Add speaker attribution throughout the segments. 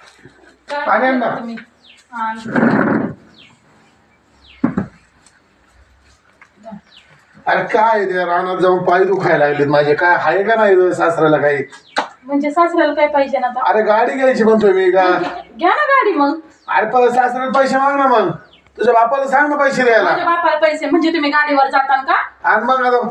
Speaker 1: पाणी आण ना. अरे काय ते रानात जाऊन पाय दुखायला लागलेत माझे. काय आहे का नाही सासऱ्याला काही?
Speaker 2: म्हणजे सासऱ्याला काय पाहिजे ना आता?
Speaker 1: अरे गाडी घ्यायची म्हणतोय मी का.
Speaker 2: घ्या ना गाडी मग.
Speaker 1: अरे पण सासऱ्याला पैसे माग ना. मग तुझ्या बापाला सांग ना पैसे द्यायला.
Speaker 2: माझ्या बापाला पैसे म्हणजे तुम्ही गाडीवर जाताल का?
Speaker 1: आणि मग आता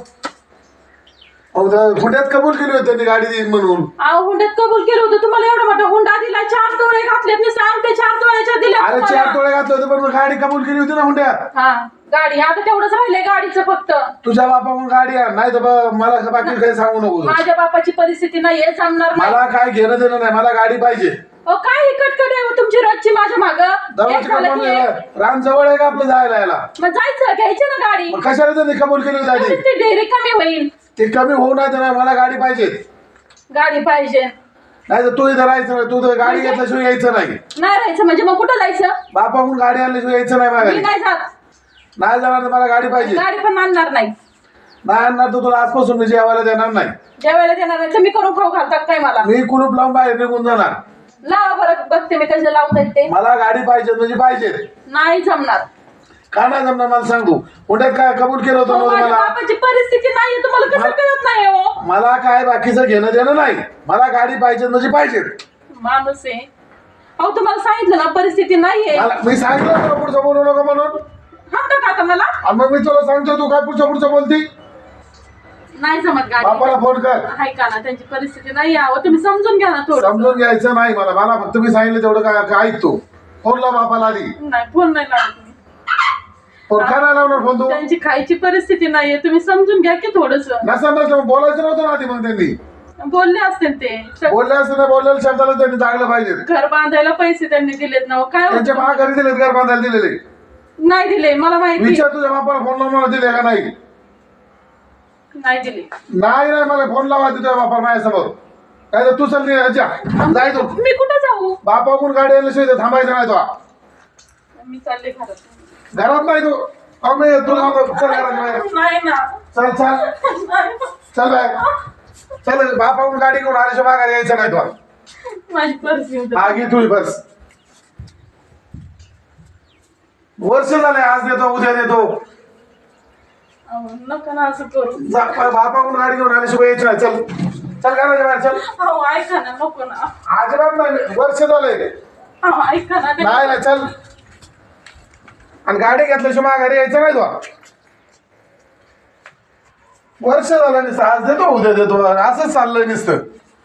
Speaker 1: हुंड्यात कबूल केली होती त्यांनी गाडी देईन म्हणून.
Speaker 2: हुंड्यात कबूल केलं होतं. तुम्हाला एवढा मोठा हुंडा दिला, 4 तोळे घातलेत. मी सांगते 4 तोळ्याच्या दिल्या.
Speaker 1: अरे 4 तोळे घातले होते पण मग गाडी कबूल केली होती ना हुंड्यात.
Speaker 2: हा गाडी आता तेवढंच राहिलंय गाडीचं फक्त.
Speaker 1: तुझ्या बापाकडून गाडी आण, नाही तर मला बाकी काही सांगू नको.
Speaker 2: माझ्या बापाची परिस्थिती नाहीये, जमणार नाही.
Speaker 1: मला काय घेणं देणं नाही, मला गाडी पाहिजे.
Speaker 2: काय कटकट आहे तुमची रोजची माझ्या माग.
Speaker 1: रान जवळ आहे का आपलं जायला यायला?
Speaker 2: मग जायचं, घ्यायची ना गाडी.
Speaker 1: कशाला त्यांनी कबूल केली होती?
Speaker 2: ती डेअरी कमी होईल.
Speaker 1: ते कमी होऊ नाही तर मला गाडी पाहिजे.
Speaker 2: गाडी पाहिजे
Speaker 1: नाही तर तू इथं राहायचं नाही. तू तर गाडी घेतल्याशिवाय यायचं नाही.
Speaker 2: नाही राहायचं म्हणजे मग कुठं जायचं?
Speaker 1: बापाकडून गाडी आणल्याशिवाय यायचं नाही मला.
Speaker 2: मी नाही जात.
Speaker 1: नाही जाणार तर मला गाडी पाहिजे.
Speaker 2: गाडी पण आणणार नाही.
Speaker 1: नाही आणणार तर तुला आजपासून मी जेवायला देणार नाही.
Speaker 2: जेवायला देणार नाही तर मी करून खाऊ घालतात काय मला?
Speaker 1: मी कुलूप लावून बाहेर निघून जाणार.
Speaker 2: लावा बरं, बघते मी कसं लावतायत ते.
Speaker 1: मला गाडी पाहिजे म्हणजे पाहिजे.
Speaker 2: नाही जमणार.
Speaker 1: का नाही जमणार मला सांग तू. पुण्यात काय कबूल केलं होतं
Speaker 2: माझ्या
Speaker 1: मला?
Speaker 2: बापाची परिस्थिती नाही, तुम्हाला कसं कळत नाही हो?
Speaker 1: मला काय बाकीचं घेणं देणं नाही. मला गाडी पाहिजे म्हणजे पाहिजे.
Speaker 2: माणूस आहे अहो, तुम्हाला सांगितलं ना परिस्थिती नाहीये.
Speaker 1: मी सांगितलं तुला पुढचं बोलू नका म्हणून.
Speaker 2: हाता का आता मला?
Speaker 1: आणि मग मी तुला सांगतो तू काय पुढचं बोलती.
Speaker 2: नाही जमत गाडी.
Speaker 1: बापाला फोन कर.
Speaker 2: हाय का ना, त्यांची परिस्थिती नाही आहो, तुम्ही समजून घ्या ना थोडं.
Speaker 1: समजून घ्यायचं नाही मला फक्त मी सांगितलं तेवढं काय ऐकतो. फोन लाव बापाला आधी.
Speaker 2: नाही फोन नाही लावत मी.
Speaker 1: फोन का नाही लावणार फोन तू?
Speaker 2: त्यांची खायची परिस्थिती नाहीये, तुम्ही समजून घ्या की थोडस.
Speaker 1: नसलं बोलायचं नव्हतं ना आधी. मग त्यांनी
Speaker 2: बोलले असतील ते.
Speaker 1: बोलले असते ना, बोललेल्या शब्दाला त्यांनी जागलं पाहिजे.
Speaker 2: घर बांधायला पैसे त्यांनी दिलेत ना. काय
Speaker 1: त्यांच्या महागारी दिलेत घर बांधायला दिलेले?
Speaker 2: नाही दिले मला माहिती.
Speaker 1: विचार तुझ्या बापाला फोन लावून मला दिले का नाही?
Speaker 2: नाही दिले.
Speaker 1: नाही मला फोन लावा तुझ्या बापाला माझ्यासमोर. काय तर तू चल जाय तू.
Speaker 2: मी कुठे जाऊ?
Speaker 1: बापाकडून गाडी आणल्याशिवाय थांबायचं नाही तो.
Speaker 2: मी चालले घरात.
Speaker 1: घरात नाही तू. तुला चल घरात.
Speaker 2: नाही ना.
Speaker 1: चल चल बाय. चल बापाकडून गाडी घेऊन आल्याशिवाय माघारी यायचं नाही तो.
Speaker 2: माझी परिस्थिती
Speaker 1: आगी तुझी बस. वर्ष झाले, आज देतो उद्या देतो.
Speaker 2: नका ना असं करू.
Speaker 1: बापाकडून गाडी घेऊन आल्याशिवाय यायचं नाही. चल चल घराच्या बाहेर चल.
Speaker 2: अहो ऐका ना, नको ना.
Speaker 1: अजिबात नाही, वर्ष झालंय.
Speaker 2: अहो ऐका ना.
Speaker 1: नाही चल. आणि गाडी घेतल्याशिवाय माघारी यायचं नाही तो. वर्ष झालं नुसतं, आज देतो उद्या देतो असंच चाललंय नुसतं.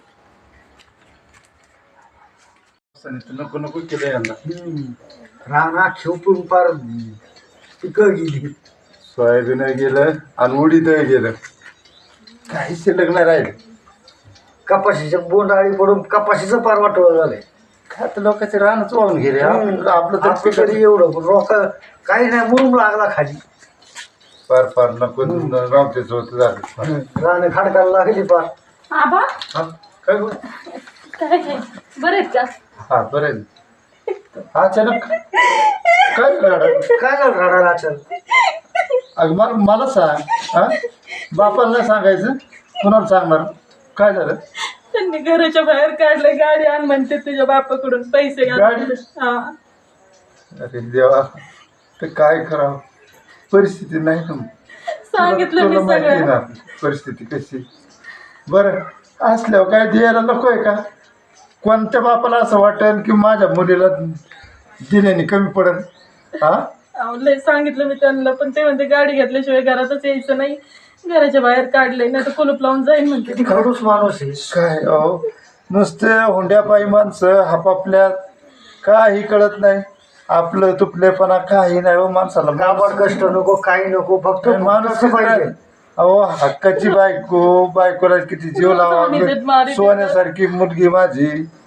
Speaker 1: नको नको केलं यांना.
Speaker 3: राणा खेळून पार पिकं गेली.
Speaker 1: सोयाबीन गेलं आणि उडीद गेलं. काही शिल्लक नाही राहील.
Speaker 3: कपाशीच्या बोंडाळी पडून कपाशीचं पार वाटवं झालंय.
Speaker 1: खात लोकांचे रानच वाहून गेले. आपलं
Speaker 3: आपलं तरी एवढं पण रोक काही नाही, मुरुम लागला खाली.
Speaker 1: पार पार नको रामतेच होत झालं.
Speaker 3: राणे खाडकाला लागली पार.
Speaker 2: आबा
Speaker 1: काय
Speaker 2: काय बरं आहेत का?
Speaker 1: हा बरं. अचानक काय
Speaker 3: काय झालं राणाला अचानक?
Speaker 1: अगं मला सांग. हा बापाला नाही सांगायचं, कुणाला सांगणार? काय झालं?
Speaker 2: त्यांनी घराच्या बाहेर काढले. गाडी आण म्हणते तुझ्या बापाकडून पैसे
Speaker 1: गाडी?
Speaker 2: हा.
Speaker 1: अरे देवा, तर काय करावं. परिस्थिती नाही ना.
Speaker 2: सांगितलं मी
Speaker 1: तुला माहिती
Speaker 2: सगळं.
Speaker 1: ना परिस्थिती कशी. बरं असल्यावर काय द्यायला नको आहे का? कोणत्या बापाला असं वाटेल की माझ्या मुलीला दिल्याने कमी पडेल? हा
Speaker 2: अहो, लय सांगितलं मी त्यांना, पण ते म्हणते गाडी घेतल्याशिवाय घरातच यायचं नाही. घराच्या बाहेर काढले नाही तर कुलूप लावून जाईन म्हणते.
Speaker 3: किती खडूस माणूस आहे.
Speaker 1: काय अहो, नुसते हुंड्यापायी माणसं हापापल्यात काही कळत नाही. आपलं तुपलेपणा काही नाही हो माणसाला.
Speaker 3: गावात कष्ट नको, काही नको, फक्त
Speaker 1: माणूस
Speaker 3: पाहिजे.
Speaker 1: अहो हक्काची बायकोला किती जीव लावा. सोन्यासारखी मुलगी माझी.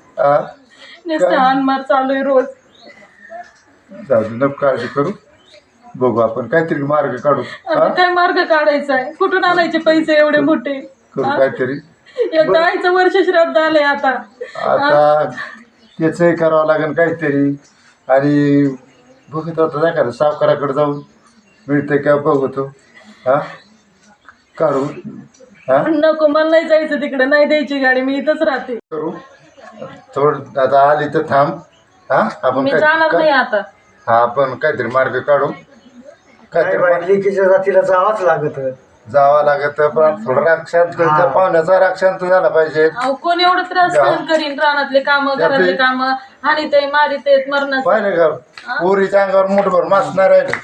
Speaker 2: नुसतं हानमार चालू आहे रोज.
Speaker 1: जाऊ दे, नको काळजी करू. बघू आपण काहीतरी मार्ग काढू.
Speaker 2: आता काय मार्ग काढायचा आहे? कुठून आणायचे पैसे एवढे मोठे?
Speaker 1: करू काहीतरी.
Speaker 2: एकदा आईचं वर्ष श्राद्ध आलंय आता.
Speaker 1: आता त्याचंही करावं लागेल काहीतरी. आणि बघत होतो नाही का सावकाराकडे जाऊन मिळते का बघतो. हा काढू. हा
Speaker 2: नको, मला नाही जायचं तिकडे. नाही द्यायची गाडी, मी इथंच राहते.
Speaker 1: करू. थोडं आता आली तर थांब. हा आपण
Speaker 2: मी जाणार नाही आता.
Speaker 1: हा आपण काहीतरी मार्ग काढू.
Speaker 3: काय
Speaker 1: काहीतरी
Speaker 3: बाई लेकीच्या जातीला जावंच लागत.
Speaker 1: जावं लागत पण थोडं राग शांत
Speaker 3: हा.
Speaker 1: पाहुण्याचा राग शांत झाला पाहिजे.
Speaker 2: अहो कोण एवढं त्रास सहन करीन रानातले काम घरातले काम आणि ते मारित मरणाचं.
Speaker 1: पाहिलं का पोरीच्या अंगावर मोठभर मास नाही राहिलं.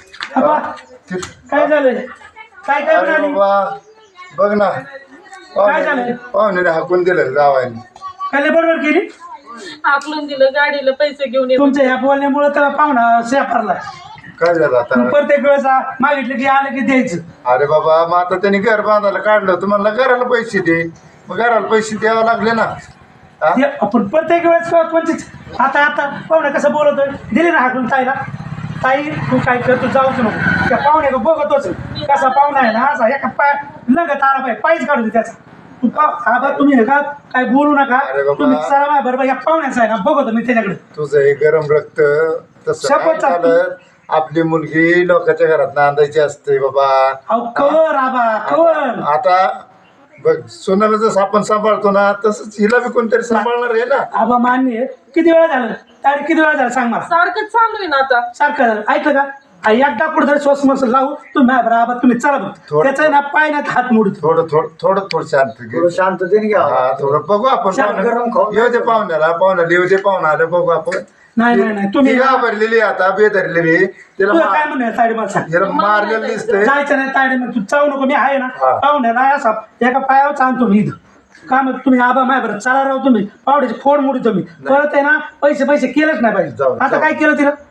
Speaker 4: काय झालंय काय काय
Speaker 1: अरे
Speaker 4: म्हणाली
Speaker 1: बाबा बघ ना
Speaker 4: काय झालं?
Speaker 1: पाहुण्याने हाकून दिलं जावायने.
Speaker 4: काय बरोबर केली
Speaker 2: आकलून दिलं गाडीला पैसे घेऊन येऊन.
Speaker 4: तुमच्या ह्या बोलण्यामुळे त्याला पाहुणा सेफरला
Speaker 1: काय झालं आता?
Speaker 4: प्रत्येक वेळेस मागितलं की आलं की द्यायचं.
Speaker 1: अरे बाबा मग आता त्यांनी घर बांधायला काढलं तुम्हाला घराला पैसे दे. मग घराला पैसे द्यावे लागले ना. हा?
Speaker 4: ते आपण प्रत्येक वेळेस कोणतीच आता आता पाहुणा कसं बोलतोय दिली ना हाकून ताईला ताई तू काय करतो जाऊच नको त्या पाहुण्याला बघतोच कसा पाहुणा आहे ना असा एका पाय लगत आला पाहिजे पायच काढू दे त्याचा. तू आबा तुम्ही हे का काय बोलू नका
Speaker 1: अरे बाबा.
Speaker 4: तुम्ही चला माझ्या बरोबर या पाहुण्याचा आहे ना बघतो मी त्याच्याकडे.
Speaker 1: तुझं हे गरम रक्त तसं
Speaker 4: शपथ
Speaker 1: नाही चालत. आपली मुलगी लोकांच्या घरात नांदायची असते बाबा.
Speaker 4: अहो कवर आबा कवर
Speaker 1: आता बघ सोनाला जसं आपण सांभाळतो ना तसंच हिला बी कोणतरी सांभाळणार आहे ना.
Speaker 4: आबा मान्य आहे. किती वेळा झालं तारीख किती वेळा झालं सांग मला.
Speaker 2: सारखंच चालू आहे ना आता.
Speaker 4: सारखं झालं ऐकलं का एकदा कुठेतरी श्वास मस्त लावू तुम्ही बरोबर तुम्ही चला बघ
Speaker 1: थोडं-
Speaker 4: त्याचा आहे ना पाय ना हात मोडतो.
Speaker 1: थोडं शांत घे.
Speaker 3: थोडं शांततेने घ्यावं.
Speaker 1: हा थोडं बघू आपण
Speaker 4: शांत
Speaker 1: पाहुण्या-
Speaker 3: गरम खाऊ.
Speaker 1: येऊ दे पाहुण्याला येऊ दे पाहुणा आलं बघू आपण.
Speaker 4: नाही नाही नाही तुम्ही
Speaker 1: ती घाबरलेली आता बेधरलेली तिला
Speaker 4: तुला काय म्हणून ताईडे मला सांग
Speaker 1: हिला मारलेलं दिसतंय.
Speaker 4: जायचं नाही ताईडे मग तू चावू नको मी आहे ना
Speaker 1: हा.
Speaker 4: पाहुण्याला असा एका पायावर चालतो मी इथं का मग तुम्ही आबा माय बरं चला राव तुम्ही पावड्याची फोड मोडी तुम्ही परत आहे ना पैसे केलंच नाही पाहिजे.
Speaker 1: जाऊ,
Speaker 4: आता
Speaker 1: जाऊ.
Speaker 4: काय केलं तिला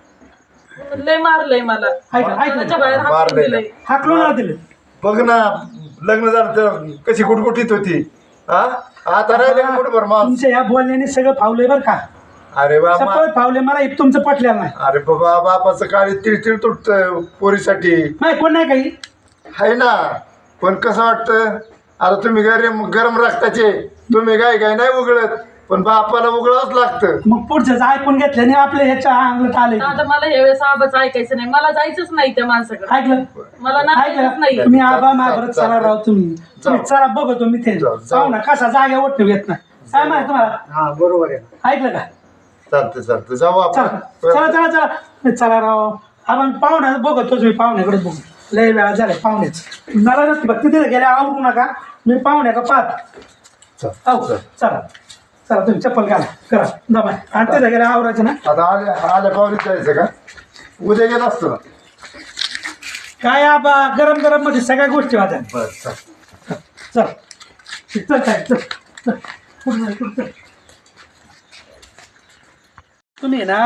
Speaker 2: लय मारलंय मला.
Speaker 4: ऐकलं
Speaker 2: घराच्या बाहेर हाकलून
Speaker 1: मारलंय
Speaker 2: दिलंय.
Speaker 4: हाकलून ना दिलं.
Speaker 1: बघ ना लग्न झालं तर कशी कुटकुटीत होती. हा आता राहिले का कुठं माणूस.
Speaker 4: तुमच्या या बोलण्याने सगळं फावलंय बरं का
Speaker 1: अरे बाबा
Speaker 4: सगळं फावले मला हे तुमचं पटलेलं नाही.
Speaker 1: अरे बाबा बापाचं काळी तिळतिळ तुटत पोरीसाठी
Speaker 4: नाही कोण नाही काही
Speaker 1: आहे ना. पण कसं वाटतं आता तुम्ही गरम रक्ताचे तुम्ही काय नाही उघडत पण बापाला उघडावंच लागतं.
Speaker 4: मग पुढचं ऐकून घेतलं आणि आपल्या ह्याच्या अंगलट आले
Speaker 2: आता मला हे वेळेस आबाच ऐकायचं नाही. मला जायचंच नाही त्या माणसाकडे.
Speaker 4: ऐकलं
Speaker 2: मला नाहीच नाही.
Speaker 4: ऐकलं तुम्ही आबा माझ्याबरोबर चला राव तुम्ही तुम्ही चला बघतो मी ते
Speaker 1: जाऊ.
Speaker 4: पाहू ना कसा जागा ओढतो येत नाही काय माहिती तुम्हाला
Speaker 3: हा बरोबर आहे.
Speaker 4: ऐकलं का
Speaker 1: चालतं जाऊ
Speaker 4: चला
Speaker 1: आपण.
Speaker 4: चला चला राव आपण पाहुण्या बघतोच मी पाहुण्याकडे बघू लय वेळा झालाय पाहुण्याच मला नसते बघ तिथे गेल्या आवडू नका मी पाहुण्याका पाहत
Speaker 1: चल,
Speaker 4: हो चला चला तुम्ही चप्पल घाला करा दमा आणि तिथे गेल्या आवरायचं ना
Speaker 1: आता आल्या पावलीत जायचं का उद्या गेलं असतं ना.
Speaker 4: काय आबा गरम गरम मध्ये सगळ्या गोष्टी वाजा
Speaker 1: बरं
Speaker 4: चल चल काय चल चल कुठं जाय, कुठं जाय. तुम्ही ना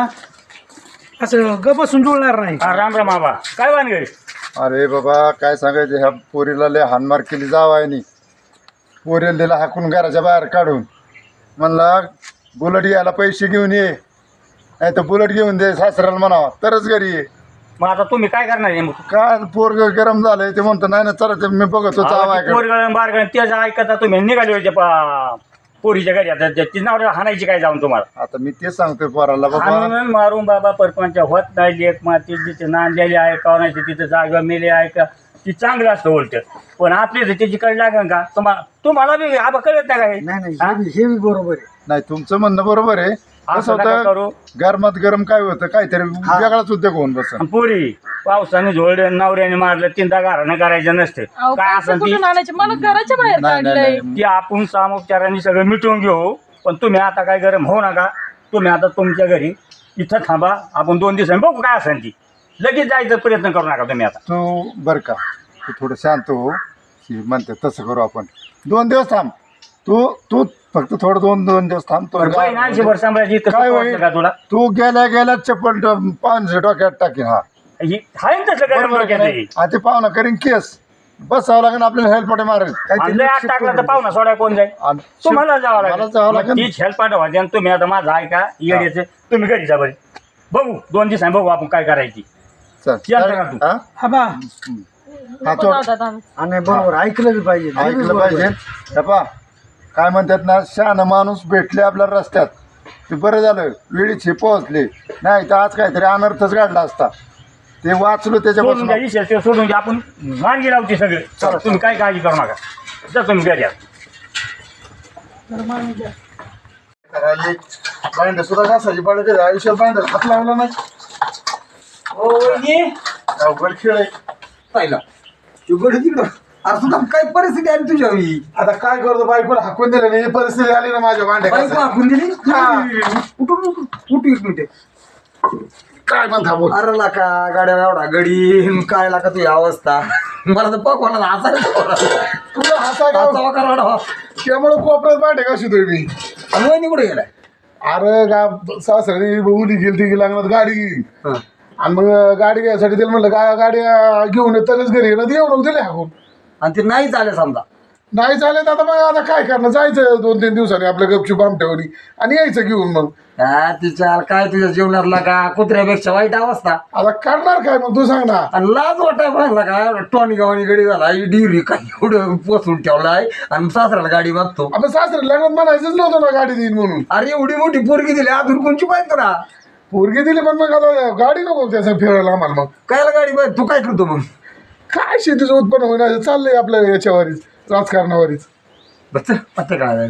Speaker 4: असं ग बसून जुळणार नाही.
Speaker 5: राम राम बाबा काय वानगडी.
Speaker 1: अरे बाबा काय सांगायचं ह्या पोरीला लय हानमार केली जावायनी. पोरीला दिला हाकून घराच्या बाहेर काढून म्हणला बुलेट घ्यायला पैसे घेऊन ये नाही तर बुलेट घेऊन दे सासऱ्याला म्हणावा तरच घरी ये.
Speaker 5: मग आता तुम्ही काय करणार आहे मग.
Speaker 1: काय पोरग गरम झालंय ते म्हणतो नाही ना चला ते मी बघतो जावायकडे.
Speaker 5: पोरगळ बारगळ त्याचं ऐकता तुम्ही निघाले होते पोरीच्या घरी आता ती नाव हाणायची काय जाऊन तुम्हाला.
Speaker 1: आता मी तेच सांगतोय पोराला बाबा
Speaker 5: हाणून मारून बाबा परपंच होत नाही लेख माती जिथे नांदलेली आहे का नाही तिथे जागा मेले आहे का ती चांगलं असतं उलट पण आपली तर त्याची कळ लागेल का तुम्हाला बी आबा कळत नाही का हे?
Speaker 3: नाही हे बी बरोबर आहे.
Speaker 1: नाही तुमचं म्हणणं बरोबर आहे. कसं
Speaker 5: असं नका
Speaker 1: होतं
Speaker 5: करू.
Speaker 1: गरमात गरम काय होतं काहीतरी वेगळाच उद्योग होऊन बस.
Speaker 5: आणि पोरी पावसाने झोळले नवऱ्याने मारलं तीनदा घरानं करायचं नसतं
Speaker 2: अहो,
Speaker 5: काय
Speaker 2: पैसे
Speaker 5: असं ती
Speaker 2: कुठून आणायचे मला घराच्या बाहेर
Speaker 1: नाही, नाही,
Speaker 2: काढलंय.
Speaker 1: नाही.
Speaker 5: ती आपण सामोपचाराने सगळं मिटवून घेऊ पण तुम्ही आता काय गरम होऊ नका. तुम्ही आता तुमच्या घरी इथं थांबा आपण 2 दिवसांनी बघू काय असेल ती लगेच जायचा प्रयत्न करू नका तुम्ही आता.
Speaker 1: तू बरं का तू थोडं शांत हो. ही म्हणते तसं करू आपण 2 दिवस थांब. तू फक्त थोडं 2 दिवस थांब. तो
Speaker 5: बहीण 80 सांभाळायची इतकं
Speaker 1: काय
Speaker 5: सोपं
Speaker 1: होईल?
Speaker 5: वाटतं का तुला.
Speaker 1: तू गेल्या चप्पल पाहुणे डोक्यात टाकीन. हा
Speaker 5: ही आहे ना तसं गरम
Speaker 1: बरोबर
Speaker 5: डोक्यात
Speaker 1: आहे.
Speaker 5: ही.
Speaker 1: आणि ते पाहुणा करीन केस बसावं लागेल आपल्याला हेल्पटे मारेल
Speaker 5: आणि लय आत टाकला तर पाहुणा सोडा कोण जाईल तुम्हाला जावं
Speaker 1: मला जावं
Speaker 5: लागेल.
Speaker 1: लागेल.
Speaker 5: तीच हेल्प पाठवायची आणि तुम्ही आता माझा ऐका येण्याचं तुम्ही घरी जा बरे बघू 2 दिवसांनी बघू आपण काय करायची.
Speaker 1: चल
Speaker 5: चल का तू?
Speaker 1: हा?
Speaker 4: आबा
Speaker 1: हा,
Speaker 2: नको
Speaker 1: तो-
Speaker 2: दादा, दादा.
Speaker 3: आणि बरोबर ऐकलं बी पाहिजे. हे बी
Speaker 1: ऐकलं
Speaker 3: बरोबर
Speaker 1: पाहिजे.
Speaker 3: आहे.
Speaker 1: हे पहा काय म्हणतात ना शहाणा माणूस भेटले आपल्या रस्त्यात ते बरं झालं वेळीच पोहोचले नाही तर आज काहीतरी अनर्थच घडला असता. ते वाचलो
Speaker 5: सोडून
Speaker 1: त्याच्यापासून.
Speaker 5: द्या विषय ते सोडून द्या आपण मार्गी लावते सगळे. चला तुम्ही काय काळजी करू नका जा तुम्ही घरी या.
Speaker 1: करायची भांडे सुद्धा घासायची पाणी कधी आयुष्यात भांड्यात हात लावला नाही.
Speaker 4: हो वहिनी.
Speaker 1: अवघड खेळ आहे.
Speaker 3: पाहिला शुगर तिकडं अरे तुला काय परिस्थिती आली तुझ्या ही
Speaker 1: आता काय करतो बायकोला हाकून दिलं नाही, ही परिस्थिती आली ना माझ्या भांड्या
Speaker 3: बायको
Speaker 1: घासायची.
Speaker 3: हाकून दिली
Speaker 1: हा.
Speaker 3: कुठू एक मिनिट
Speaker 1: काय म्हणता बोल.
Speaker 3: अरे लाका गाड्या एवढा गडी काय लाका तुझी अवस्था मला तर पकवायला हसायला
Speaker 1: तुला हसा गाव त्यामुळे कोपऱ्यात भांडे कशी तुम्ही.
Speaker 3: वहिनी कुठे गेलाय
Speaker 1: अरे सासरी उली गेली ती लागणार गाडी गेली आणि मग गाडी घ्यायसाठी तिला म्हणलं गाडी घेऊन तरच घरी येणं येऊन दिले हाकून.
Speaker 3: आणि ते नाही चालेल समजा
Speaker 1: नाही चालेल आता मग आता काय करणार, जायचं 2-3 दिवसांनी आपल्या गपचूप आमट्यावरी आणि यायचं घेऊन. मग
Speaker 3: तिच्या काय तुझ्या जीवनातला का कुत्र्यापेक्षा वाईट अवस्था
Speaker 1: आता करणार काय मग तू सांग ना.
Speaker 3: आणि लाज वाटाय पाहिला का टॉनी गावानी गडी झाला डिरी काय एवढं पोचून ठेवलाय आणि सासऱ्याला गाडी मागतो.
Speaker 1: आपण सासरे लग्नात म्हणायचंच नव्हतं ना गाडी देईन म्हणून.
Speaker 3: अरे एवढी मोठी पोरगी दिली अजून कोणची पाहिजे ना
Speaker 1: पोरगी दिली पण मग आता गाडी नको त्याचं फिरायला आम्हाला. मग
Speaker 3: कायला गाडी पाहिजे तू काय करतो मग
Speaker 1: काय शेतीचं उत्पन्न होणार चाललंय आपल्या याच्यावरीच राजकारणावरीच.
Speaker 3: बस पत्ते काय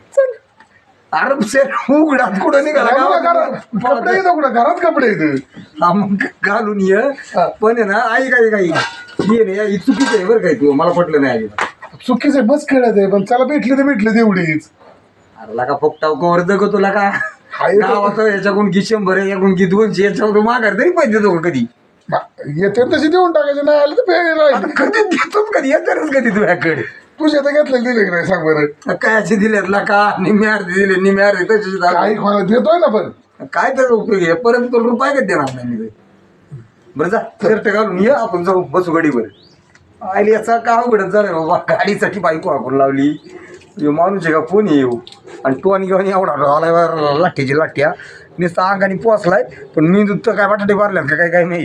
Speaker 3: अरे शेर उघडात कुठं निघाला
Speaker 1: कपडे येतो कुठं घरात कपडे येतं.
Speaker 3: हा मग घालून ये पण आहे ना आई काही ये नाही चुकीचं आहे बरं काय तू मला पटलं नाही आई
Speaker 1: चुकीचं बस खेळत आहे पण चला भेटले तर भेटले तेवढीच.
Speaker 3: अरे लाका फोकटाव कवर जगो तुला का गावाचं याच्याकडून की 100 याकडून की 200 याच्याकडून माघार तरी पाहिजे देतो का कधी
Speaker 1: येते तशी देऊन टाकायचे नाही आले तर
Speaker 3: आता कधी देतोच कधी येणारच कधी तुझ्याकडे
Speaker 1: तुझ्या तर घेतलेले दिले की नाही सांग बरं.
Speaker 3: काय असे दिलेत ना का निम्मे अर्धे दिले निम्मे अर्धे तसे
Speaker 1: काही कोणाला देतोय ना पण
Speaker 3: काय त्याचा उपयोग आहे परत तुला रुपये का देणार नाही मी बरं जा शर्ट घालून ये आपण जाऊ बसू गाडीवर आली याचा का अवघडच झालं बाबा गाडीसाठी बायको हाकून लावली माणूस आहे का कोण येऊ आणि तो आणि घेऊन एवढा आलाय लाठीची लाठ्या नुसता अंगाने पोचलाय पण मी तर काय बटाटे मारल्यात का काय माहीत.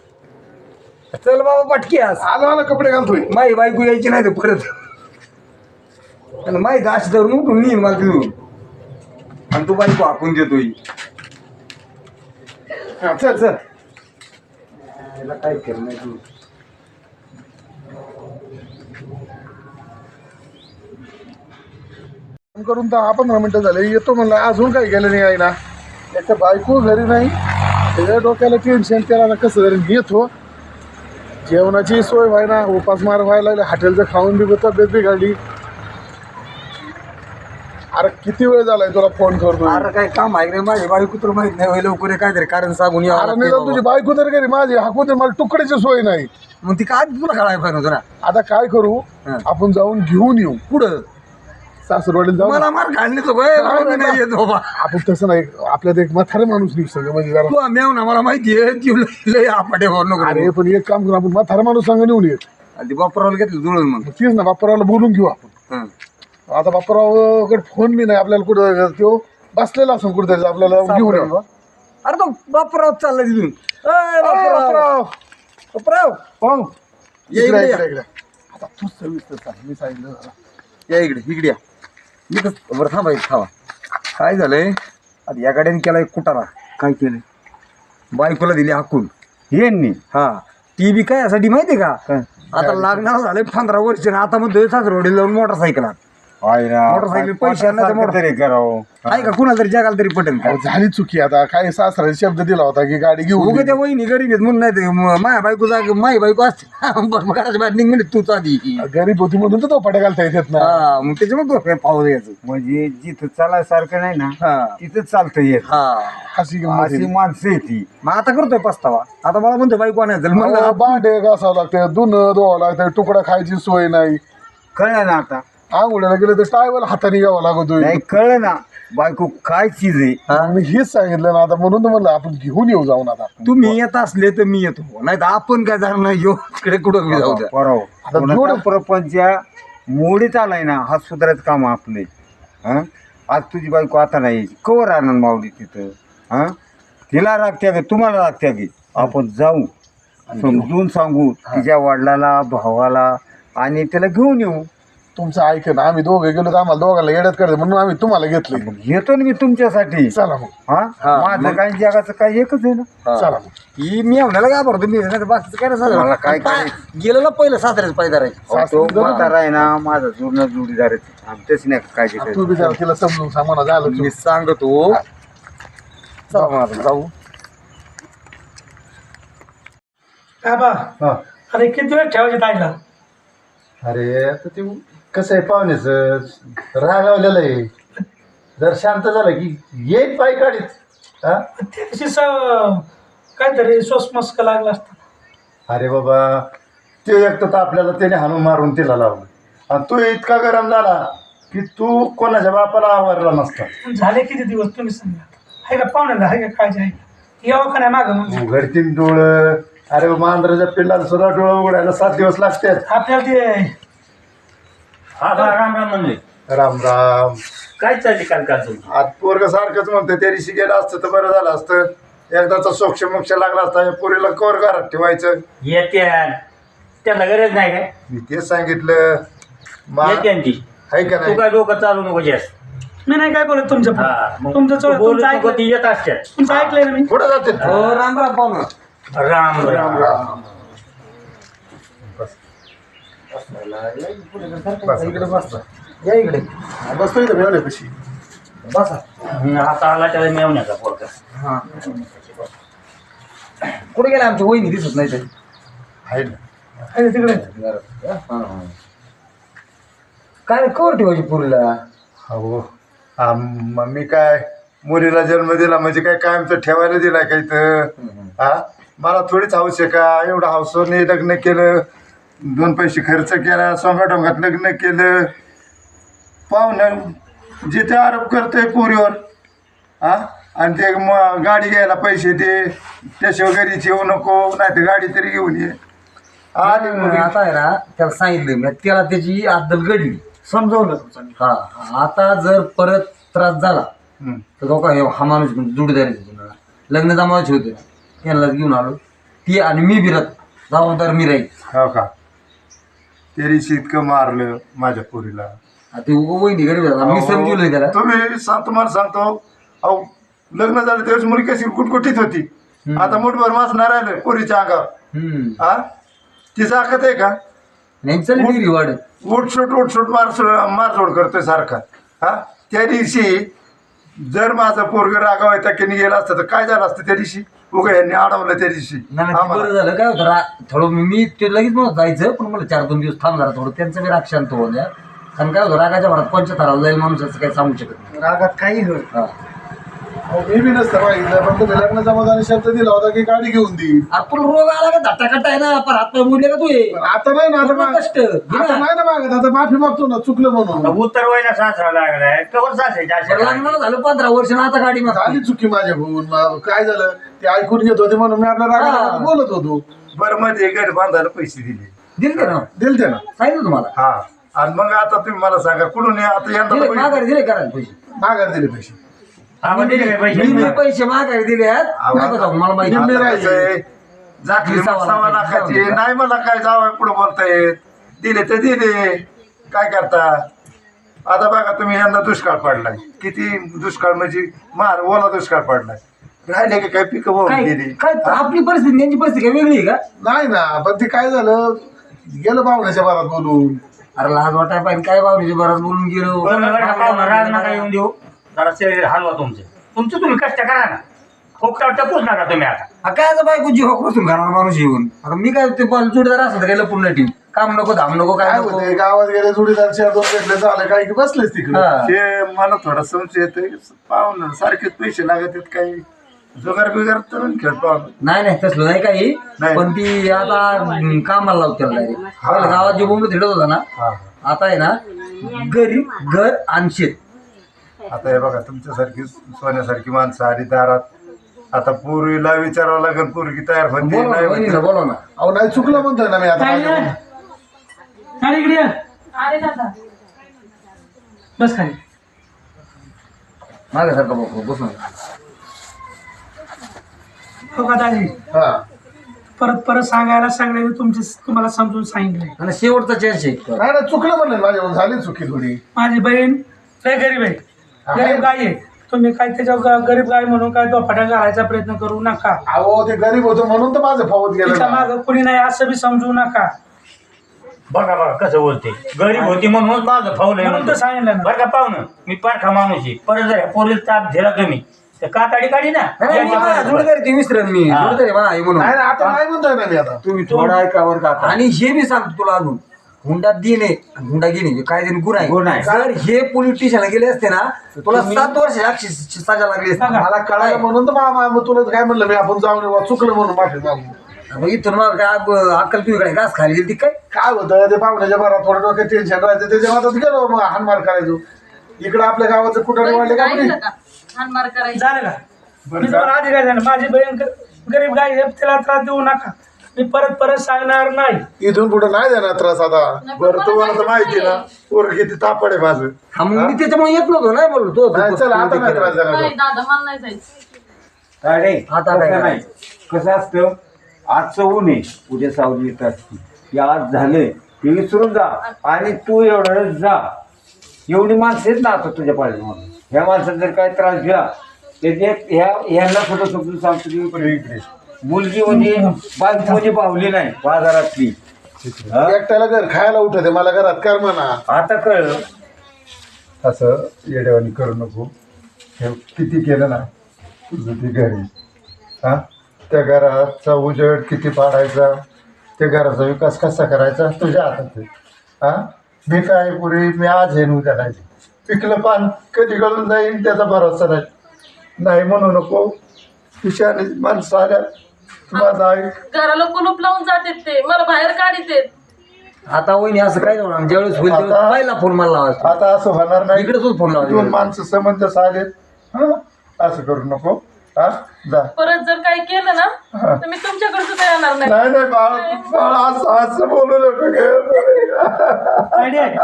Speaker 3: चल बाबा पटकी आज
Speaker 1: आला कपडे घालतोय.
Speaker 3: माई बायको यायची नाही तर परत आणि माहीत अशी धरून उठून नेईन मला तिथून आणि तू बायको हाकून देतोय.
Speaker 1: चल चल
Speaker 3: काय केलं नाही तू
Speaker 1: करून 10-15 मिनिटं झाले येतो म्हणलं अजून काही गेलं नाही आहे ना. त्याच्या बायको घरी नाही त्याच्या डोक्याला टेन्शन त्याला कसं तरी येतो. जेवणाची सोय व्हाय ना उपासमार व्हायला लागले हॉटेलचं खाऊन बी तब्येत बिघडली. अरे किती वेळ झालाय तुला फोन करतो.
Speaker 3: अरे काय काम आहे रे माझी बायको तुला माहित नाही लवकर काहीतरी कारण सांगून
Speaker 1: अरे नाही तुझी बायको तर घरी माझी हाकून मला तुकड्याची सोय नाही.
Speaker 3: मग ती काय तुला कळायला पाहिजे होतं ना.
Speaker 1: आता काय करू आपण जाऊन घेऊन येऊ
Speaker 3: पुढं
Speaker 1: सासरवाडीला जाऊ.
Speaker 3: मला मार घालणे तो नाही येत बाबा
Speaker 1: आपण तसं नाही आपल्यात एक म्हातारे माणूस निघू सगळं म्हणजे जरा.
Speaker 3: तू मेव ना मला माहिती आहे ती लय आपाटे होऊ नको
Speaker 1: अरे पण एक काम करू आपण म्हातारा माणूस सांग नेऊन येत
Speaker 3: ती बापराला घेतलं जुळून मग
Speaker 1: तीच ना बाप्पारावला बोलून घेऊ आपण. आता बाप्पारावकडे फोन बी नाही आपल्याला कुठं तो बसलेला असं कुठं आपल्याला घेऊन येऊ.
Speaker 3: अरे तो बापराव चालला तिथून बापराव ये इकडे या.
Speaker 1: आता तू सविस्तर सांग मी सांगितलं.
Speaker 3: या इकडे या मी तर बरं थांबायचं थांबा काय झालंय आता या गाड्याने केला एक कुटारा काय केलं बायकोला दिली हाकून यांनी हा ती बी काय यासाठी माहितीये का आता लागणार झालंय 15 वर्ष आता म्हणतोय सासरवाडीला जाऊन मोटरसायकल मोटरसायकल पैसे आहे का कुणाला तरी जगाला तरी पटेल का
Speaker 1: झाली चुकी. आता काय सासरा शब्द दिला होता की गाडी घेऊन
Speaker 3: उगा त्या वहिनी गरीब आहेत म्हणून नाही माया बायको माई बायको असते घराच्या बाहेर निघ म्हणजे तूच आधी
Speaker 1: गरीब होती म्हणून तर तो पट्या घालता येत ना.
Speaker 3: हा मग त्याच्यामुळे तो पाहू द्यायचं
Speaker 5: म्हणजे जिथं चालायसारखं नाही ना
Speaker 3: हा
Speaker 5: तिथंच चालतं येत.
Speaker 3: हा
Speaker 1: अशी गंमत आहे.
Speaker 5: अशी माणसं आहे ती.
Speaker 3: मग आता करतोय पस्तावा आता मला म्हणतो बायको आणायचं म्हणलं
Speaker 1: अहो, भांडे घासावं लागतं धुणं धुवावं लागतं तुकडा खायची सोय नाही.
Speaker 5: कळलं ना आता
Speaker 1: आंघोळ्याला गेलं तर टायवल हाताने घ्यावं लागतोय.
Speaker 5: नाही कळलं ना बायको काय चीज आहे.
Speaker 1: मी हेच सांगितलं ना आता म्हणून तर म्हणलं आपण घेऊन येऊ जाऊन. आता
Speaker 3: तुम्ही येत असले तर मी येतो नाही तर आपण काय जाणार नाही येऊ इकडे कुठं बी जाऊ द्या
Speaker 1: आता
Speaker 5: बरोबर
Speaker 1: जोड-
Speaker 5: प्रपंच मोडीत आलाय ना हा सुधारायचं काम आपले. हा आज तुझी बायको आता नाही कवर आणून मावडी तिथं. हा तिला रागत्या गे तुम्हाला रागत्या गे आपण जाऊ समजून सांगू तिच्या वडिलाला भावाला आणि त्याला घेऊन येऊ.
Speaker 1: तुमचं ऐक ना आम्ही दोघे गेलो तर आम्हाला दोघांना येड्यात करायचं म्हणून आम्ही तुम्हाला घेतले.
Speaker 5: येतो ना मी तुमच्यासाठी.
Speaker 1: चला मग
Speaker 5: हा माझं काय जगाचं काय एकच आहे ना.
Speaker 1: चला मग.
Speaker 3: ही मी म्हणाला काय भरतो मी नाही तर बाकीचं काय
Speaker 5: मला
Speaker 3: नाही
Speaker 5: काय
Speaker 3: सांगा गेलेलं पहिलं सासऱ्याच पायदार आहे
Speaker 5: अहो, तो म्हातारा आहे ना माझा जुना जोडीदार आहे. तेच नाही काळजी
Speaker 1: तू बी जरा तिला समजून सांग म्हणा झालं
Speaker 3: मी सांगतो चला मग आता जाऊ.
Speaker 4: आबा
Speaker 1: हा
Speaker 4: अरे किती वेळ ठेवायचे ताईला?
Speaker 1: अरे आता ते कसं आहे पाहुण्याचं रागावलेलं आहे. जर शांत झालं की येईल पाय काढीत. हा
Speaker 4: त्याशी काहीतरी सोसमस्क लागला असता.
Speaker 1: अरे बाबा ते एक तर आपल्याला त्याने हाणून मारून तिला लावलं आणि तू इतका गरम झाला की तू कोणाच्या बापाला आवरला नसता.
Speaker 4: झाले किती दिवस तुम्ही सांगा. आहे का पाहुण्याला, आहे का काळजी आहे का? यावं का नाही मागं मग?
Speaker 1: उघडतीन डोळं. अरे मांजराच्या पिल्लाला सुद्धा डोळं उघडायला 7 दिवस लागतात.
Speaker 4: आपल्याला ते
Speaker 6: हा बा राम राम म्हणले.
Speaker 1: राम राम.
Speaker 6: काय चालली काल
Speaker 1: आज पोरग सारखंच म्हणतं त्या दिवशी गेलं असतं तर बरं झालं असतं. एकदाचा सोक्ष मोक्ष लागला असता. या पोरीला कवर घरात ठेवायचं.
Speaker 6: येत्या त्याला गरज नाही काय
Speaker 1: मी तेच सांगितलं
Speaker 6: येते ती.
Speaker 1: आहे का
Speaker 6: तू
Speaker 1: नाही.
Speaker 6: काय डोकं चालू नको जास्त.
Speaker 4: मी नाही काय बोलत तुमच्या
Speaker 6: हा, मग
Speaker 4: तुमचं
Speaker 6: तू बोलू
Speaker 4: तुमचं
Speaker 6: नको,
Speaker 4: ऐकलं,
Speaker 6: ती येत असतात.
Speaker 4: तुमचं ऐकलंय ना मी.
Speaker 1: कुठं जाते
Speaker 3: हो राम राम पाहुणा.
Speaker 6: राम राम
Speaker 1: राम.
Speaker 3: इकडे बसता. या इकडे
Speaker 1: बसतो इथं मिळवण्यापाशी.
Speaker 3: बसा.
Speaker 6: आता आला त्याला मिळवण्याचा पोरका.
Speaker 3: हा कुठे गेला आमच्या वहिनी दिसत नाही तरी.
Speaker 1: आहे ना.
Speaker 4: आहे तिकडे.
Speaker 3: काय कवर ठेवायची पुरीला?
Speaker 1: हो मम्मी काय मुलीला जन्म दिला म्हणजे काय कायमचं ठेवायला दिला काही तर. हा मला थोडीच हौस आहे का. एवढं हौसने लग्न केलं, 2 पैसे खर्च केला, सोंगाडोंगात लग्न केलं. पाहुणं जिथे आरोप करतोय पोरीवर. हा आणि ते गाडी घ्यायला पैसे दे, त्याशिवाय घरीच येऊ नको, नाही तर गाडी तरी घेऊन ये. आली मुलगी.
Speaker 3: आता आहे ना त्याला सांगितलं मी, त्याला त्याची अद्दल घडली.
Speaker 4: समजावलं तुमचं.
Speaker 3: हा आता जर परत त्रास झाला
Speaker 1: हम्म.
Speaker 3: तर तो काय हा माणूस जोडीदारी लग्न जमावायचे होते ना, त्यांनाच घेऊन आलो. ती आणि मी बिरत जबाबदार मी राहील.
Speaker 1: हो का. त्या दिवशी इतकं मारलं माझ्या पोरीला.
Speaker 3: ते वहिनी गरीब झाला, मी समजवलं त्याला.
Speaker 1: तुम्हाला सांगतो अहो लग्न झालं त्यावेळेस मुली कशी कुटकुटीत होती. आता मुठभर मासणार राहिलं पोरीच्या अंगावर. हा ती जाकत आहे का.
Speaker 3: नाही चल डिग्री वाढत.
Speaker 1: उठसूट मारसोड करतोय सारखा. हा त्या दिवशी जर माझं पोरग रागावायचा की गेलं असतं तर काय झालं असतं त्या दिवशी. उगा यांनी अडवलं त्या दिवशी
Speaker 3: नाही ते बरं झालं. काय होतं थोडं मी ते लगेच नव्हतं जायचं, पण मला 4-2 दिवस थांब जरा थोडं त्यांचं बी राग शांत होऊ द्या. कारण काय होतं रागाच्या भरात कोणच्या थराला जाईल माणूस असं काही सांगू शकत नाही.
Speaker 4: रागात काही होईल.
Speaker 3: हा.
Speaker 1: मी बी नसतं पाहिजे पण तुम्ही लग्न जमा शब्द दिला होता की गाडी घेऊन देईल.
Speaker 3: आपण रोग आला का धट्टाकट्टा आहे ना, पण हात पाय मोडले का तू हे?
Speaker 1: आता नाही ना.
Speaker 3: पूर्ण कष्ट घे ना.
Speaker 1: नाही ना मागत. आता माफी मागतो ना चुकलं म्हणून.
Speaker 6: उत्तर व्हायला सासरा लागलाय कवर सासायच्या
Speaker 3: बरं, लग्नाला झालं 15 वर्ष ना, आता गाडी मागतो.
Speaker 1: झाली चुकी माझ्याकडून. काय झालं ते ऐकून घेत होते म्हणून मी आपल्या रागाला बोलत होतो. बरं मध्ये घर बांधायला पैसे दिले.
Speaker 3: दिल ना,
Speaker 1: दिलते ना.
Speaker 3: सांगितलं तुम्हाला.
Speaker 1: हा आणि मग आता तुम्ही मला सांगा कुठून आता
Speaker 3: दिले
Speaker 1: यंदा
Speaker 3: माघारी दिले करायला पैसे.
Speaker 1: माघार दिले पैसे.
Speaker 6: दिले काय पैसे.
Speaker 3: मी पैसे माघारी दिले आहेत. नका जाऊ, मला माहिती.
Speaker 1: निम्मे राहिले. झाकली मग 1.25 लाखाची. नाही मला काय जावं पुढे बोलतायत. दिले तर दिले काय करता. आता बघा तुम्ही यंदा दुष्काळ पडलाय. किती दुष्काळ म्हणजे ओला दुष्काळ पडलाय. राहिले की काय पिकं वाहून
Speaker 3: काय
Speaker 1: गेली.
Speaker 3: काय आपली परिस्थिती त्यांची परिस्थिती काय वेगळी आहे का?
Speaker 1: नाही ना पण ते काय झालं गेलं पाहुण्याच्या बाबा बोलून.
Speaker 3: अरे लाज वाटाय पाहिजे काय बाबरीच्या बराच बोलून गेलो.
Speaker 6: राग नका येऊन देऊ. जरा शरीर हलवा तुमचं तुम्ही कष्ट करा ना. खूप टपूच नका तुम्ही आता.
Speaker 3: काय आता बायको जीव बसून घालणार माणूस येऊन. आता मी काय ते जोडीदार असं तर गेलं पुन्हा टीम काम नको धाम नको काय
Speaker 1: काय
Speaker 3: नको.
Speaker 1: होते गावात गेले जोडीदार 4-2 भेटले झालं काही बसलेच तिकडे.
Speaker 3: हा.
Speaker 1: ते मला थोडा संशय येतोय पाहुणं सारखेच पैसे लागत आहेत काही जुगार बिगार तर खेळ पाहुणं.
Speaker 3: नाही नाही तसलं नाही काही.
Speaker 1: नाही.
Speaker 3: पण ती आता कामाला लावते त्याला direct. पहिलं गावात जे बोंबलं थिडत होता ना,
Speaker 1: हा
Speaker 3: आता आहे ना गरीब घर आणि शेत.
Speaker 1: आता हे बघा तुमच्यासारखी सोन्यासारखी माणसं आली दारात. आता पूर्वीला विचारावं लागेल पोरगी तयार होते
Speaker 3: बोलवा ना,
Speaker 1: नाही
Speaker 3: वहिनीला बोलवा ना.
Speaker 1: अहो नाही चुकलं म्हणतोय ना मी आता
Speaker 4: काय
Speaker 1: माझ्याकडून.
Speaker 4: खाली इकडे ये.
Speaker 2: अरे दादा
Speaker 4: बस खाली.
Speaker 3: माझ्यासारखं बसून.
Speaker 4: हो का दादी,
Speaker 1: हा
Speaker 4: परत सांगायला सांगण्याने तुम्हाला समजून सांगितलंय.
Speaker 3: आणि शेवटचा चान्स आहे.
Speaker 1: नाही ना चुकलं म्हणलं माझ्याकडून झाली चुकी थोडी.
Speaker 4: माझी बहीण लय गरीब आहे, गरीब गाय आहे. तुम्ही काय त्याच्या गरीब गाय म्हणून काय दोफाट्या घालायचा प्रयत्न करू नका.
Speaker 1: अहो ते गरीब होतो म्हणून तर माझं फावत गेलं
Speaker 4: तिच्या
Speaker 1: ना.
Speaker 4: मागं कुणी नाही असं बी समजू नका.
Speaker 6: बघा कसं बोलते. गरीब होती म्हणून माझं फावलंय
Speaker 4: म्हणून तर
Speaker 6: म्हणतो.
Speaker 4: सांगितलं ना.
Speaker 6: बरं का पाहुणं मी पारखा माणूस आहे. परत जर पोलीस ताप दिला तुम्ही ते कातडी काढी ना
Speaker 3: जोडदारी ती विसरेन मी
Speaker 6: हा.
Speaker 3: जोडदारी मा आई म्हणून
Speaker 7: नाही आता नाही म्हणतोय ना मी आता
Speaker 3: तुम्ही थोडा ऐकावर का आणि हे मी सांगतो तुला अजून हुंडा देणे हुंडा घेणे हे काय तरी गुन्हा
Speaker 5: गुन्हा
Speaker 3: आहे
Speaker 5: आहे.
Speaker 3: जर हे पोलीस स्टेशनला गेले असते ना तर तुला 7 वर्ष अक्षी सजा लागली असती.
Speaker 7: मला कळालं म्हणून तर मामा मग तुला काय म्हणलं मी आपण जाऊन येऊ, चुकलं म्हणून माफी मागू.
Speaker 3: मग इथून मग काय अक्कल तुझ्याकडे घास खाली गेली ती काय
Speaker 7: काय होतं ते पाहुण्याच्या बरात थोडं डोक्यात टेन्शन राहायचं त्याच्या मातात गेलो मग हानमार करायचो. इकडं आपल्या गावाचं कुठं वाढले का
Speaker 2: ऐकलं का हानमार करायचं
Speaker 4: झालं का मी तुम्हाला आधी काय झालं माझी बहीण गरीब गाय आहे, तिला त्रास देऊ नका. मी परत सांगणार नाही.
Speaker 1: इथून पुढे नाही देणार त्रास आता. बरं तुम्हाला तर माहिती ना पोर किती तापड आहे माझं.
Speaker 3: हा मग मी त्याच्यामुळे येत नव्हतो नाही बोललो तो
Speaker 1: नाही, चला आता नाही त्रास देणार.
Speaker 2: नाही दादा मला नाही जायचं.
Speaker 5: काय रे
Speaker 3: आता काय
Speaker 5: तसं नाही कसं असतं आजचं ऊन आहे उद्या सावली येत असते की आज झाले ते विसरून जा आणि तू एवढं जा. एवढी माणसं आहेत ना आता तुझ्या पाठीमागे. ह्या माणसाला जर काय त्रास दिला त्याचे ह्यांना सुद्धा समजून सांगतो की इकडे इकडे मुलगी म्हणजे बायको म्हणजे पावली नाही बाजारातली. हा?
Speaker 1: एकट्याला घर खायला उठते मला घरात कर म्हणा.
Speaker 5: आता कळ
Speaker 1: असं येडेवानी करू नको. हे किती केलं ना तुझं ते घरी. हा त्या घराचा उजेड किती पाडायचा त्या घराचा विकास कसा करायचा तुझ्या हातात आहे. हा मी काय पुरी मी आज हे उद्या नाही. पिकलं पान कधी गळून जाईल त्याचा भरोसा नाही. नाही म्हणू नको. पिशाने माणसं आल्या माझा आई
Speaker 2: घराला कुलूप लावून जातात ते मला बाहेर काढितेत.
Speaker 3: आता वहिनी असं काय होणार ज्यावेळेस होईल त्यावेळेस
Speaker 1: आता-
Speaker 3: पहिला फोन मला लावायचा
Speaker 1: आता असं होणार नाही.
Speaker 3: इकडेच फोन लावायचा
Speaker 1: दोन माणसं समंजस आलेत. हा असं करू नको. हा जा.
Speaker 2: परत जर काही केलं ना तर मी तुमच्याकडे सुद्धा येणार नाही.
Speaker 1: नाही नाही बाळ बाळ असं बोलू नको
Speaker 4: आयडिया आहे.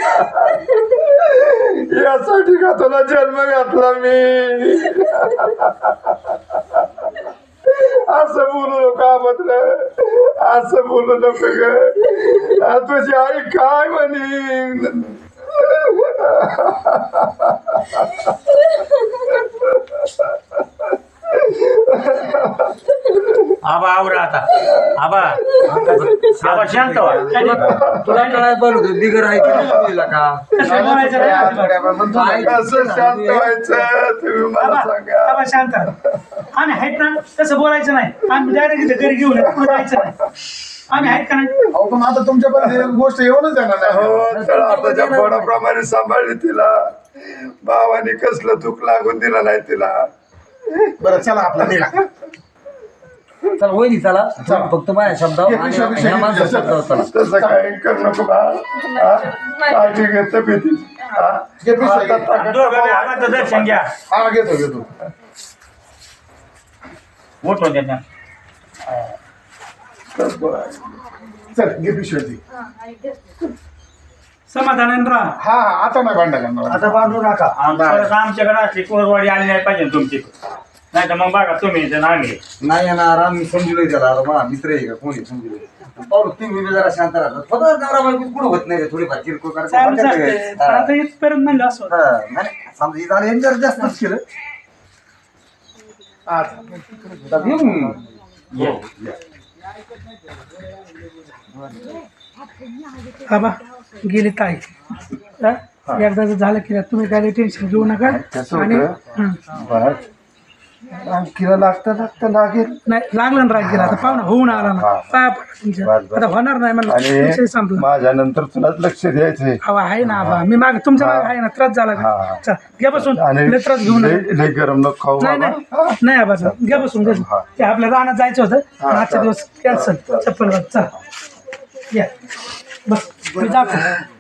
Speaker 1: यासाठी का तुला जन्म घातला मी. असं बोलू नको मात्र असं बोलू नको ग. तुझी आई काय म्हणे.
Speaker 6: आबा आवरा आता आबा आबा शांत व्हा.
Speaker 3: तुला काय पाहिलं होतं बिगर आहे की नाही तुला का
Speaker 4: कसं बोलायचं नाही.
Speaker 1: कसं शांत व्हायचं तुम्ही मला सांगा.
Speaker 4: बाबा शांत आम्ही आहेत ना तसं बोलायचं नाही. आम्ही डायरेक्ट घरी घेऊन येतो, पुढे जायचं नाही. आम्ही आहेत का नाही.
Speaker 1: अहो पण आता तुमच्यापर्यंत गोष्ट येऊनच येणार नाही. हो तर आताच्या पोराप्रमाणे सांभाळली तिला. भावाने कसलं चूक लागून दिला नाही तिला.
Speaker 7: बरं चला आपला निघा.
Speaker 3: चल वहिनी चला फक्त माझ्या शब्दावर आणि ह्या माणसाच्या शब्दावर चला.
Speaker 1: तसं काय करू नको बा. हा? काळजी घेत भीती.
Speaker 7: घे पिशवी, घे.
Speaker 6: दोघं बी आबाचं दर्शन घ्या.
Speaker 7: हा घेतो घेतो.
Speaker 6: उठून द्या.
Speaker 7: चल घे पिशवी ती.
Speaker 4: समाधानाने राहा.
Speaker 7: हा हा आता नाही भांडा करणार.
Speaker 4: आता बांधू नका.
Speaker 6: परत आमच्याकडे असली कुरवाडी आली नाही पाहिजे तुमची. नाही तर मग बघा तुम्ही इथे आम्ही
Speaker 3: नाही येणार आम्ही समजलोय त्याला आता मला मित्र आहे का कोणी समजलोय पाहू तुम्ही बी जरा शांत राहतात फक्त नवरा बायको कुठं होत नाही रे थोडीफार किरकोळ
Speaker 4: चालूच असते.
Speaker 3: करायचं
Speaker 4: आता इथपर्यंत म्हणलं असं होतं.
Speaker 3: नाही समजा इथं आलं जरा जास्तच केलं आता येऊ.
Speaker 4: बाबा गेली ताई. हा? एकदा जर झालं की तुम्ही काय टेन्शन घेऊ नका. आणि हं.
Speaker 1: आणखीला लागतं लागेल.
Speaker 4: नाही लागलं ना राग गेला. आता पाहुणा होऊन आला ना पाया पडा तुमच्या. आता होणार नाही म्हणलं विषय
Speaker 1: आणि
Speaker 4: संपला.
Speaker 1: माझ्या नंतर तुलाच लक्ष द्यायचंय.
Speaker 4: हवा आहे ना आबा मी माग तुमच्या मागे आहे ना. त्रास झाला का
Speaker 1: हा.
Speaker 4: चल घ्या बसून.
Speaker 1: आणि
Speaker 4: लय त्रास घेऊ नका.
Speaker 1: लय गरम नको खाऊ
Speaker 4: नाही
Speaker 1: बाबा.
Speaker 4: नाही नाही आबा चल घ्या बसून घ्या. ते आपल्या रानात जायचं होतं आजचा दिवस कॅन्सल. चप्पल चल या बस मी जातो.